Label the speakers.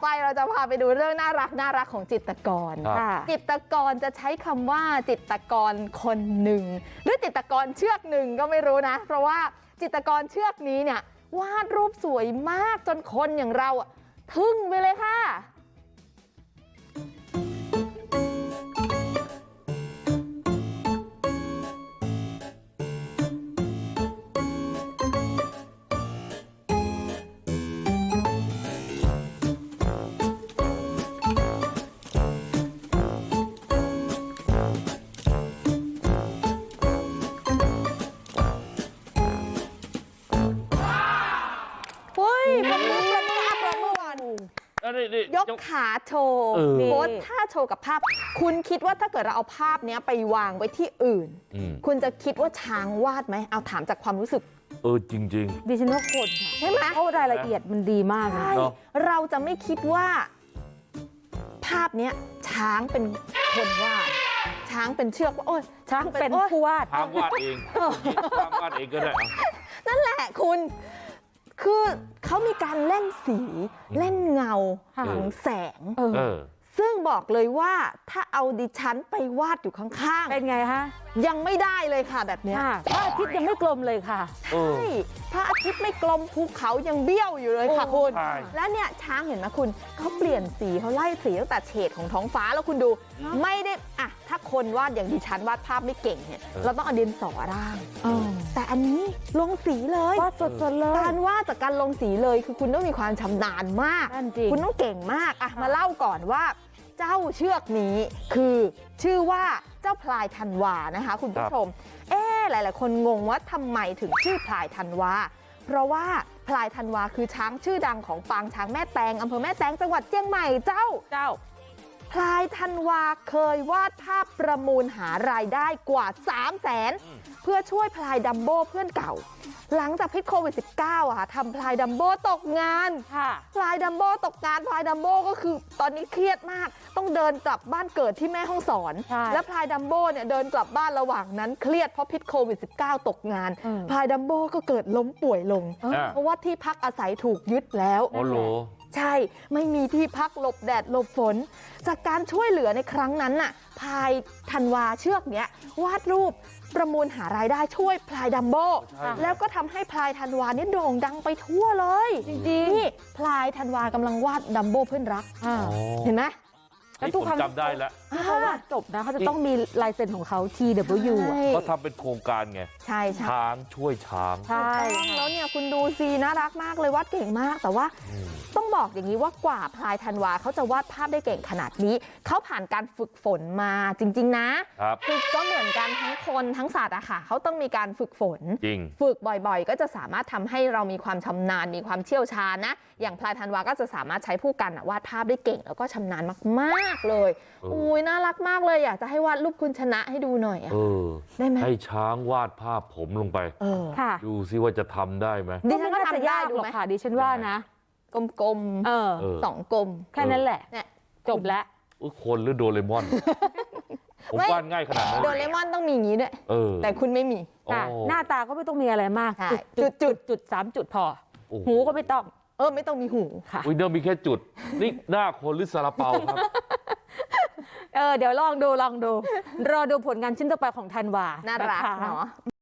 Speaker 1: ไปเราจะพาไปดูเรื่องน่ารักของจิตรกรจิตรกรจะใช้คำว่าจิตรกรคนหนึ่งหรือจิตรกรเชือกหนึ่งก็ไม่รู้นะเพราะว่าจิตรกรเชือกนี้เนี่ยวาดรูปสวยมากจนคนอย่างเราทึ่งไปเลยค่ะยกขาโชว์โพสท่าโชว์กับภาพคุณคิดว่าถ้าเกิดเราเอาภาพนี้ไปวางไว้ที่อื่นคุณจะคิดว่าช้างวาดไหมเอาถามจากความรู้สึก
Speaker 2: จริงๆ
Speaker 3: ดิฉันว่าคนค่ะ
Speaker 1: ใช่ไหม
Speaker 3: เพราะรายละเอียดมันดีมากนะ
Speaker 1: เราจะไม่คิดว่าภาพนี้ช้างเป็นคนวาดช้างเป็นเชือกว่าโอ้ย
Speaker 3: ช้างเป็นผู้วาด
Speaker 2: ช้างวาดเองช้างวาดเองก็ได้
Speaker 1: นั่นแหละคุณคือเขามีการเล่นสีเล่นเงาของแสงซึ่งบอกเลยว่าถ้าเอาดิฉันไปวาดอยู่ข้างๆ
Speaker 3: เป็นไงคะ
Speaker 1: ยังไม่ได้เลยค่ะแบบนี้
Speaker 3: พระอาทิตย์ยังไม่กลมเลยค่ะ
Speaker 1: ใช่พระอาทิตย์ไม่กลมภูเขายังเบี้ยวอยู่เลยค่ะคุณแล้วเนี่ยช้างเห็นไหมคุณเขาเปลี่ยนสีเขาไล่สีตั้งแต่เฉดของท้องฟ้าแล้วคุณดูไม่ได้ถ้าคนวาดอย่างดิฉันวาดภาพไม่เก่งเนี่ยเราต้องเอาดินสอร่างแต่อันนี้ลงสีเลยว
Speaker 3: าดสดๆเลย
Speaker 1: การวาดจากการลงสีเลยคือคุณต้องมีความชำนาญมากคุณต้องเก่งมากมาเล่าก่อนว่าเจ้าเชือกนี้คือชื่อว่าเจ้าพลายธันวานะคะคุณผู้ชมหลายๆคนงงว่าทำไมถึงชื่อพลายธันวาเพราะว่าพลายธันวาคือช้างชื่อดังของปางช้างแม่แตงอำเภอแม่แตงจังหวัดเชียงใหม่เจ้าพลายธันวาเคยวาดภาพประมูลหารายได้กว่า 300,000 เพื่อช่วยพลายดัมโบ้เพื่อนเก่าหลังจากพิษโควิด -19 ทำพลายดัมโบ้ตกงานพลายดัมโบ้ตกงานพลายดัมโบ้ก็คือตอนนี้เครียดมากต้องเดินกลับบ้านเกิดที่แม่ฮ่องสอนและพลายดัมโบ้เนี่ยเดินกลับบ้านระหว่างนั้นเครียดเพราะพิษโควิด -19 ตกงานพลายดัมโบ้ก็เกิดล้มป่วยลงเพราะว่าที่พักอาศัยถูกยึดแล้วใช่ไม่มีที่พักหลบแดดหลบฝนจากการช่วยเหลือในครั้งนั้นน่ะพลายธันวาเชือกเนี้ยวาดรูปประมูลหารายได้ช่วยพลายดัมโบ้แล้วก็ทำให้พลายธันวานี่โด่งดังไปทั่วเลยจริงๆนี่พลายธันวากำลังวาดดัมโบ้เพื่อนรักเห็นไหม
Speaker 2: แล้วทุกครั้งจำได้แล้ว
Speaker 3: เขาวาดจบนะเขาจะต้องมีลายเซ็นของเขา TW
Speaker 2: เขาทำเป็นโครงการไง
Speaker 1: ใช่
Speaker 2: ช้างช่วยช้าง
Speaker 1: ใช่แล้วเนี่ยคุณดูสิน่ารักมากเลยวาดเก่งมากแต่ว่าต้องบอกอย่างนี้ว่ากว่าพลายธันวาเขาจะวาดภาพได้เก่งขนาดนี้เขาผ่านการฝึกฝนมาจริงๆนะคือก็เหมือนกันทั้งคนทั้งสัตว์อะค่ะเขาต้องมีการฝึกฝนฝึกบ่อยๆก็จะสามารถทำให้เรามีความชำนาญมีความเชี่ยวชาญนะอย่างพลายธันวาก็จะสามารถใช้ผู้กันวาดภาพได้เก่งแล้วก็ชำนาญมากๆเลยอุ้ยน่ารักมากเลยอยากจะให้วาดรูปคุณชนะให้ดูหน่อยได้ไหม
Speaker 2: ให้ช้างวาดภาพผมลงไปดูซิว่าจะทำได้ไหม
Speaker 3: ดิฉันก็ทำได้ดูไหมค่ะดิฉันว่านะ
Speaker 1: กลมๆ2 กลม
Speaker 3: แค่นั้นแหละจบแล้ว
Speaker 2: คนหรือโดเรมอนผมวาดง่ายขนาดนั้น
Speaker 1: โดเรมอนต้องมีอย่างนี้ด้วยแต่คุณไม่มี
Speaker 3: หน้าตาก็ไม่ต้องมีอะไรมากจุด3 จุดพอหูก็ไม่ต้อง
Speaker 1: ไม่ต้องมีหู
Speaker 2: ค่ะเดี๋ยวมีแค่จุดนี่หน้าคนหรือซาลาเปาครับ
Speaker 3: เดี๋ยวลองดูรอดูผลงานชิ้นต่อไปของธันวา
Speaker 1: น่ารักเนาะ